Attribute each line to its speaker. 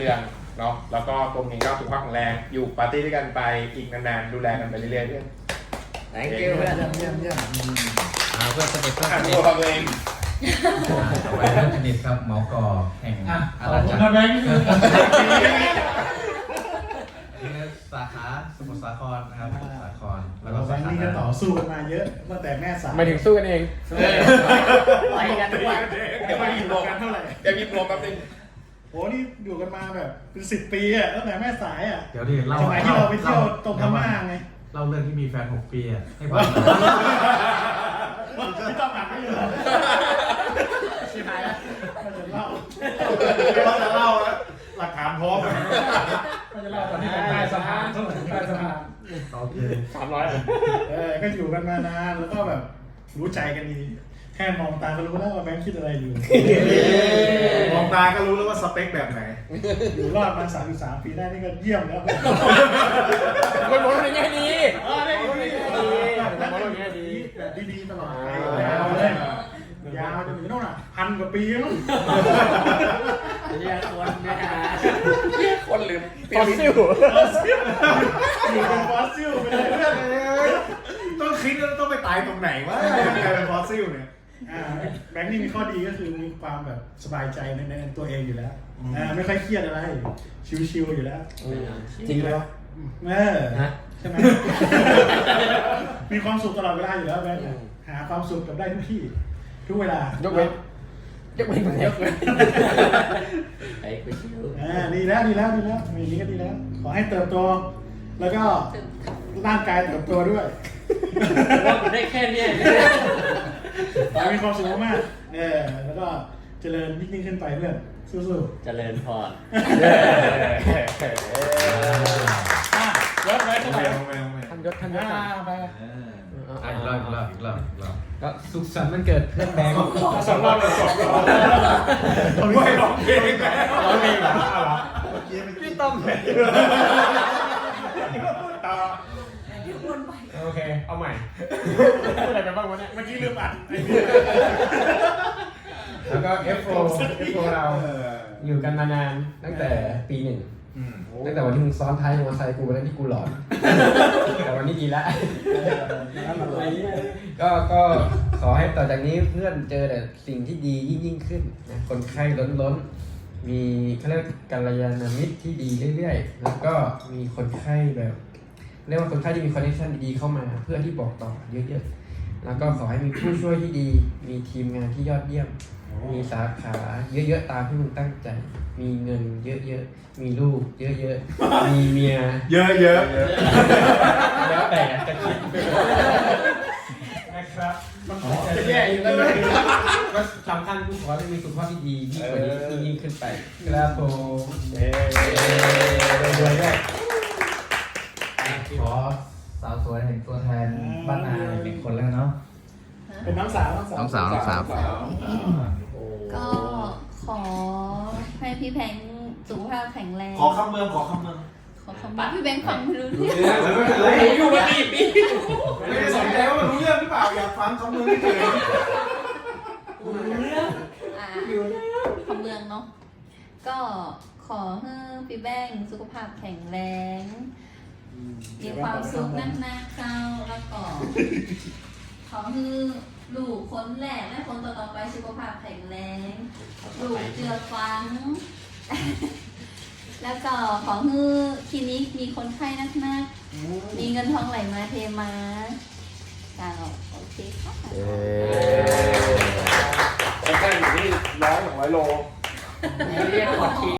Speaker 1: เรื่องเนาะแล้วก็ตรงนี้ก็สุขภาพแข็งแรงอยู่ปาร์ตี้ด้วยกันไปอีกนานๆดูแลกันไปเรื่อยๆเพื่อน
Speaker 2: thank you เพื่อน
Speaker 3: เยี่ยม
Speaker 4: เพื่อนสนิทเพื่อนสนิท
Speaker 1: ตัวเอง
Speaker 4: ต่อไปเพื่อนสนิทครับหมอกอแห่งอาณาจักร
Speaker 3: แบงค์
Speaker 4: นี่สาขาสมุทรสาครนะครับสมุทรสาครแล้วก็
Speaker 3: แบ
Speaker 4: สาง
Speaker 3: ค์
Speaker 4: ขา
Speaker 3: นี่ก็ต่อสู้กันมาเยอะตั้งแต่แม่สาว
Speaker 1: มาถึงสู้กันเอง
Speaker 2: ไปกันทุกวัน
Speaker 1: เดี๋ยวมาพิมพ์รวม
Speaker 3: กันเท่าไหร่
Speaker 1: เดี๋ยวพิมพ์รวมแป๊บนึง
Speaker 3: โหนี่อยู่กันมาแบบเป็น10 ปีอ่ะตั้งแต่แม่สายอ่ะ
Speaker 4: เดี๋ยวดิเล่า
Speaker 3: สมัยที่เราไปเที่ยวตรงพม่าไง
Speaker 4: เล่าเรื่องที่มีแฟน6 ปีอ่ะให้ฟัง
Speaker 3: ไม่ต้องหักไม่เลย
Speaker 2: ชิบหายแล้ว
Speaker 3: มันจะเล่า
Speaker 5: เราจะเล่าแล้วหลักฐานพร้อม
Speaker 3: มันจะเล่าตอนที่เป็นใต้สะพานเท่าไหร่ใต้สะพาน
Speaker 4: โอเค
Speaker 1: 300
Speaker 3: ก็อยู่กันมานานแล้วก็แบบรู้ใจกันดีแค่มองตาก็รู้แล้วว่าแบงค์คิดอะไรอยู่
Speaker 5: มองตาก็รู้แล้วว่าสเปคแบบไหน
Speaker 3: อยู่รอดมา33 ปีได้นี่ก็เยี่ยมแล้ว
Speaker 1: คนมองในแง่ดี
Speaker 3: ได้ดี
Speaker 1: มองในแง่ดี
Speaker 3: แบบดีๆตลอดไปยาวเลยยาวจนถึงโน่นอ่ะ1,000 กว่าปีแล้ว
Speaker 2: เรียกคนนะฮะ
Speaker 1: คนลืมฟอสซิล
Speaker 3: อยู่เป็นฟอสซิลไปเลยเพื่อน
Speaker 5: ต้องคิดว่าต้องไปตายตรงไหนวะเป็นฟอสซิลเนี่ย
Speaker 3: แบงค์นี่มีข้อดีก็คือมีความแบบสบายใจในตัวเองอยู่แล้วไม่ค่อยเครียดอะไรชิวๆอยู่แล้ว
Speaker 1: จริงไหม
Speaker 3: ใช่ไหมมีความสุขตลอดเวลาอยู่แล้วแบงค์หาความสุขกับได้ทุกที่ทุกเวลายกเว้น
Speaker 2: ไปคุยชิว
Speaker 3: ดีแล้วมีอย่างนี้ก็ดีแล้วขอให้เติบโตแล้วก็ร่างกายเติบโตด้วย
Speaker 2: ว่าผมได้แค่เนี้ย
Speaker 3: มีความสุขมากแล้วก็เจริญยิ่งขึ้นไปเพื่อนสู้
Speaker 2: เจริญพร
Speaker 3: ๆยศไว้เท่าไหร่
Speaker 1: ท่านยศ
Speaker 3: ไป
Speaker 4: อีกรอบก็สุขสันต์วันเกิดเพื่อนแบงค์
Speaker 3: 2 รอบเลย
Speaker 5: ไม่ร้องเพลงแล้ว
Speaker 1: ร้องเพลงเหรอ
Speaker 4: พี่ต้อม
Speaker 1: โอเคเอาใหม่อะไรไปบ้างวะเนี่ย
Speaker 3: เมื่อกี้ลืมอัด
Speaker 4: แล้วก็ F4 เราอยู่กันมานานตั้งแต่ปี 1ตั้งแต่วันที่มึงซ้อนท้ายมอเตอร์ไซค์กูวันนั้นที่กูหลอนแต่วันนี้ดีแล้วก็ขอให้ต่อจากนี้เพื่อนเจอแต่สิ่งที่ดียิ่งขึ้นนะคนไข้ล้นมีเขาเรียกกัลยาณมิตรที่ดีเรื่อยๆแล้วก็มีคนไข้แบบเรียกว่าคนไข้ที่มีคอนเนคชั่นดีๆเข้ามาเพื่อที่บอกต่อเยอะๆแล้วก็ขอให้มีผู้ช่วยที่ดีมีทีมงานที่ยอดเยี่ยมมีสาขาเยอะๆตามที่มึงตั้งใจมีเงินเยอะๆมีลูกเยอะๆมีเมีย
Speaker 5: เยอะ
Speaker 4: แล้วแต่จะคิดนะครับ
Speaker 1: จะแย่อยู่แล้วเลย
Speaker 4: ก็สำคัญกูขอให้มีสุขภาพที่ดียิ่งกว่านี้ยิ่งขึ้นไปครับผมรวยๆด้วยขอสาวสวยแห่งตัวแทนบ้านนา1 คนแล้วเนาะ
Speaker 3: เป็นน้องสาว
Speaker 6: ก็ขอให้พี่แพงสุขภาพแข็งแรง
Speaker 5: ขอคำเมือง
Speaker 6: ขอคำว่าพี่แบงค์ฟังไม่รู้เรื่อง
Speaker 5: ไม่เป็นไร
Speaker 1: อยู่มากี่ปี
Speaker 5: ไม่ได้สนใจว่ามันรู้เรื่องหรือเปล่าอยากฟังคำเมืองเฉย
Speaker 6: คำเมืองเนาะก็ขอให้พี่แบงค์สุขภาพแข็งแรง มีความสุขนักๆเข้าแล้วก็ขอให้ลูกคนแรกและคนต่อๆไปสุขภาพแข็งแรงลูกเจือฟัง แล้วก็ขอให้คลินิกมีคนไข้นักๆมีเงินทองไหลมาเทมาโอเคค่ะ
Speaker 1: แค่อยู่ที่100-200 โล
Speaker 2: เรียกขอที